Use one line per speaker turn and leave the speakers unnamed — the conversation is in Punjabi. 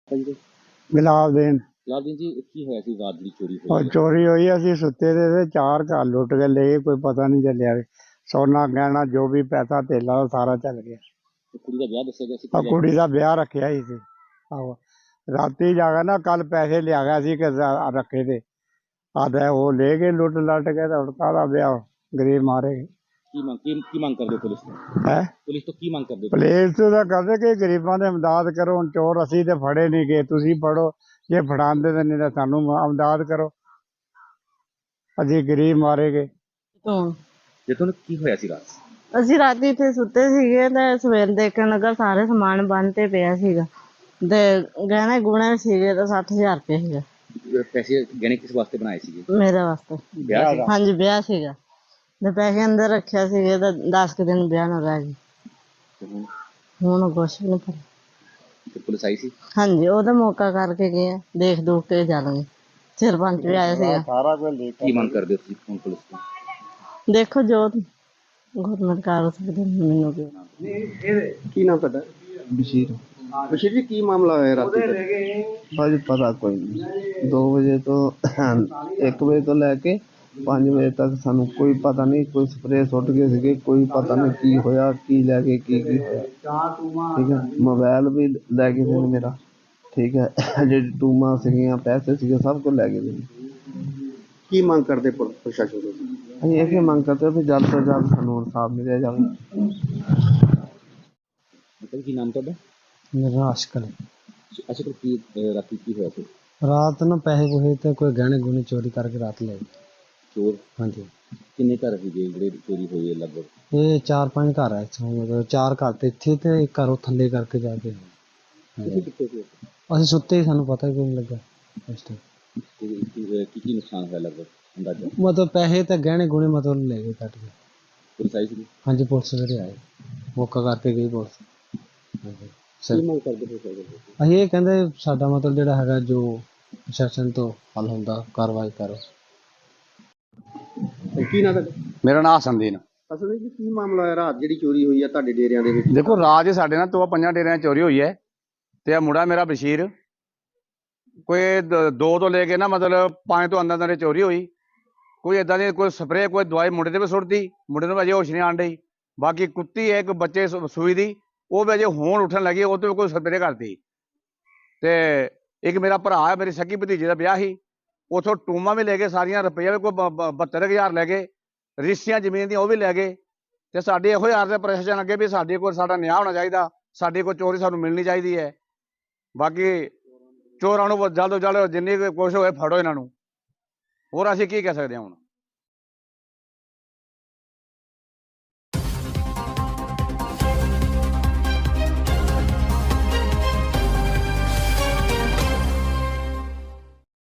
ਹਾਂਜੀ
ਗੁਲਾਬ ਦੇਣ
ਲਾਲਦੀਨ ਜੀ ਕੀ ਹੋਇਆ ਸੀ ਰਾਤ ਦੀ ਚੋਰੀ
और
ਹੋਈ ਹੈ?
चोरी हुई असी सुते दे थे 4 घर लुट के ले गए, कोई पता नहीं चलिया सोना गहना जो भी पैसा धेला सारा चल गया।
ਤੇ ਕੁੜੀ ਦਾ ਵਿਆਹ ਦੱਸਿਆ ਗਿਆ ਸੀ
और
ਕਿ
कुड़ी का ब्याह रखा ही सी। आहो राती जाके ना कल पैसे लिया गया सी कि रखे थे आधा वो ले गए लुट लट के तो काला ब्याह गरीब मारे
ਕੀ ਮੰਗ ਕਰਦੇ ਹੋ ਪੁਲਿਸ ਤੋਂ?
है।
ਪੁਲਿਸ ਤੋਂ ਕੀ ਮੰਗ ਕਰਦੇ ਹੋ?
पुलिस तो कहते कि गरीबों की इमदाद करो, हुण चोर असी तो फड़े नहीं गए, तुसी फड़ो जे फड़ांदे तो नहीं तो सानू इमदाद करो, असी गरीब मारे गए।
ਤੋਂ
ਜੇ ਤੁਹਾਨੂੰ ਕੀ ਹੋਇਆ ਸੀ ਰਾਤ?
ਅਸੀਂ ਰਾਤੀ ਇੱਥੇ ਸੁੱਤੇ ਸੀਗੇ ਤੇ ਸਵੇਰ ਦੇਖਣ ਲੱਗਾ ਸਾਰੇ ਸਮਾਨ ਬੰਨ ਤੇ ਪਿਆ ਸੀਗਾ ਤੇ ਗਹਿਣੇ ਗੁਣੇ ਸੀਗੇ ਤਾਂ 60,000 ਰੁਪਏ ਸੀਗਾ
ਪੈਸੇ ਗਹਿਣੇ ਕਿਸ ਵਾਸਤੇ ਬਣਾਏ ਸੀਗੇ?
ਮੇਰੇ ਵਾਸਤੇ।
ਵਿਆਹ ਸੀ?
ਹਾਂਜੀ ਵਿਆਹ ਸੀਗਾ ਤੇ ਪੈਸੇ ਅੰਦਰ ਰੱਖਿਆ ਸੀਗੇ ਤਾਂ 10 ਕੁ ਦਿਨ ਵਿਆਹ ਨੂੰ ਰਹਿ ਗਏ।
ਤੇ ਹੁਣ
ਹੁਣ ਕੁਛ ਵੀ ਨਹੀਂ ਪਤਾ।
ਤੇ ਪੁਲਿਸ ਆਈ ਸੀ?
ਹਾਂਜੀ ਉਹਦਾ ਮੌਕਾ ਕਰਕੇ ਗਏ ਆ, ਦੇਖ ਦੂਖ ਕੇ ਜਾਣਗੇ। ਸਰਪੰਚ ਵੀ ਆਇਆ ਸੀਗਾ।
सारा कुछ लेकर
ਕੀ ਮੰਗ ਕਰਦੇ ਹੋ ਤੁਸੀਂ ਹੁਣ ਪੁਲਿਸ ਤੋਂ?
ਦੇਖੋ ਜੋ ਗੌਰਮੈਂਟ ਕਰ ਸਕਦੇ ਮੈਨੂੰ ਕੀ
ਕੀ ਨਾਮ ਤੁਹਾਡਾ?
ਬਸ਼ੀਰ
ਬਸ਼ੀਰ ਜੀ ਕੀ ਮਾਮਲਾ ਹੋਇਆ ਰਾਤੀ ਦਾ?
ਭਾਜੀ ਪਤਾ ਕੋਈ ਨਹੀਂ 2 ਵਜੇ ਤੋਂ 1 ਵਜੇ ਤੋਂ ਲੈ ਕੇ 5 ਵਜੇ ਤੱਕ ਸਾਨੂੰ ਕੋਈ ਪਤਾ ਨਹੀਂ, ਕੋਈ ਸਪਰੇਅ ਸੁੱਟ ਗਏ ਸੀਗੇ, ਕੋਈ ਪਤਾ ਨਹੀਂ ਕੀ ਹੋਇਆ, ਕੀ ਲੈ ਕੇ ਕੀ ਹੋਇਆ। ਠੀਕ ਹੈ, ਮੋਬਾਈਲ ਵੀ ਲੈ ਗਏ ਸੀ ਮੇਰਾ। ਠੀਕ ਹੈ, ਜਿਹੜੀ ਟੂਮਾਂ ਸੀਗੀਆਂ ਪੈਸੇ ਸੀਗੇ ਸਭ ਕੁਝ ਲੈ ਗਏ ਸੀ।
ਕੀ ਮੰਗ ਕਰਦੇ ਪ੍ਰਸ਼ਾਸਨ ਤੋਂ?
ਅਸੀਂ ਇਹ ਮੰਗ ਕਰਦੇ ਹਾਂ ਵੀ ਜਲਦ ਤੋਂ ਜਲਦ ਸਾਨੂੰ ਇਨਸਾਫ ਮਿਲਿਆ ਜਾਵੇ।
ਮਤਲਬ ਕੀ ਨਾਮ ਤੁਹਾਡਾ?
ਮੇਰਾ ਆਸ਼ਕਲ
ਅੱਛਾ ਤੇ ਕੀ ਰਾਤੀ ਕੀ ਹੋਇਆ ਸੀ?
ਰਾਤ ਨੂੰ ਪੈਸੇ ਪੂਸੇ ਤੇ ਕੋਈ ਗਹਿਣੇ ਗੁਣੇ ਚੋਰੀ ਕਰਕੇ ਰਾਤ ਲੈ ਗਏ।
ਚੋਰ
ਹਾਂਜੀ
ਕਿੰਨੇ ਘਰ ਸੀਗੇ ਜਿਹੜੇ ਚੋਰੀ ਹੋਈ ਹੈ ਲਗਭਗ?
ਇਹ 4-5 ਘਰ ਆ ਇੱਥੋਂ, ਮਤਲਬ 4 ਘਰ ਤੇ ਇੱਥੇ ਤੇ ਇੱਕ ਘਰ ਉਹ ਥੱਲੇ ਕਰਕੇ ਜਾ ਕੇ।
ਤੁਸੀਂ ਕਿੱਥੇ ਸੀ?
ਅਸੀਂ ਸੁੱਤੇ ਹੀ, ਸਾਨੂੰ ਪਤਾ ਹੀ ਕੋਈ ਨਹੀਂ ਲੱਗਾ ਉਸ ਟਾਈਮ।
ਕੀ ਨੁਕਸਾਨ ਹੋਇਆ ਲਗਭਗ ਅੰਦਾਜ਼ਾ?
ਮਤਲਬ ਪੈਸੇ ਤੇ ਗਹਿਣੇ ਗੁਣੇ ਮਤਲਬ ਲੈ ਗਏ ਕੱਟ ਕੇ।
ਪੁਲਿਸ ਆਈ ਸੀ?
ਹਾਂਜੀ ਪੁਲਿਸ ਜਿਹੜੇ ਆਏ ਮੌਕਾ ਕਰਕੇ ਗਈ ਪੁਲਿਸ। ਹਾਂਜੀ
ਕੀ ਮੰਗ ਕਰਦੇ ਹੋ?
ਅਸੀਂ ਇਹ ਕਹਿੰਦੇ ਸਾਡਾ ਮਤਲਬ ਜਿਹੜਾ ਹੈਗਾ ਜੋ ਪ੍ਰਸ਼ਾਸਨ ਤੋਂ ਹੱਲ ਹੁੰਦਾ ਕਾਰਵਾਈ ਕਰੋ।
ਕੀ ਨਾਮ ਤੁਹਾਡਾ?
ਮੇਰਾ ਨਾਮ ਹਸਨਦੀਨ।
ਅਸਲ ਵਿੱਚ ਕੀ ਮਾਮਲਾ ਹੋਇਆ ਰਾਤ ਜਿਹੜੀ ਚੋਰੀ ਹੋਈ ਹੈ ਤੁਹਾਡੇ ਡੇਰਿਆਂ ਦੇ ਵਿੱਚ?
ਦੇਖੋ ਰਾਜ ਸਾਡੇ ਨਾਲ 5 ਡੇਰਿਆਂ 'ਚ ਚੋਰੀ ਹੋਈ ਹੈ ਤੇ ਇਹ ਮੁੰਡਾ ਮੇਰਾ ਬਸ਼ੀਰ ਕੋਈ 2 ਤੋਂ ਲੈ ਕੇ ਨਾ ਮਤਲਬ 5 ਤੋਂ ਅੰਦਰ ਚੋਰੀ ਹੋਈ। ਕੋਈ ਇਦਾਂ ਦੀ ਕੋਈ ਸਪਰੇਅ ਕੋਈ ਦਵਾਈ ਮੁੰਡੇ ਤੇ ਵੀ ਸੁੱਟਦੀ, ਮੁੰਡੇ ਨੂੰ ਅਜੇ ਹੋਸ਼ ਨਹੀਂ ਆਣ ਡਈ। ਬਾਕੀ ਕੁੱਤੀ ਹੈ ਇੱਕ ਬੱਚੇ ਸੂਈ ਦੀ, ਉਹ ਵੀ ਅਜੇ ਹੋਣ ਉੱਠਣ ਲੱਗੀ, ਉਹ ਤੇ ਕੋਈ ਸਪਰੇਅ ਕਰਤੀ। ਤੇ ਇੱਕ ਮੇਰਾ ਭਰਾ ਹੈ, ਮੇਰੀ ਸਕੀ ਭਤੀਜੇ ਦਾ ਵਿਆਹ ਸੀ, ਉਥੋਂ ਟੂਮਾਂ ਵੀ ਲੈ ਗਏ ਸਾਰੀਆਂ, ਰੁਪਈਆ ਵੀ ਕੋਈ 72,000 ਲੈ ਗਏ, ਰਿਸ਼ਤੀਆਂ ਜ਼ਮੀਨ ਦੀਆਂ ਉਹ ਵੀ ਲੈ ਗਏ। ਤੇ ਸਾਡੇ ਇਹੋ ਯਾਰ ਦੇ ਪ੍ਰਸ਼ਾਸਨ ਅੱਗੇ ਵੀ ਸਾਡੇ ਕੋਲ ਸਾਡਾ ਨਿਆਂ ਹੋਣਾ ਚਾਹੀਦਾ, ਸਾਡੀ ਕੋਈ ਚੋਰੀ ਸਾਨੂੰ ਮਿਲਣੀ ਚਾਹੀਦੀ ਹੈ। ਬਾਕੀ ਚੋਰਾਂ ਨੂੰ ਜਲਦ ਤੋਂ ਜਲਦ ਜਿੰਨੀ ਕੋਸ਼ਿਸ਼ ਹੋਏ ਫੜੋ ਇਹਨਾਂ ਨੂੰ, ਹੋਰ ਅਸੀਂ ਕੀ ਕਹਿ ਸਕਦੇ ਹਾਂ ਹੁਣ।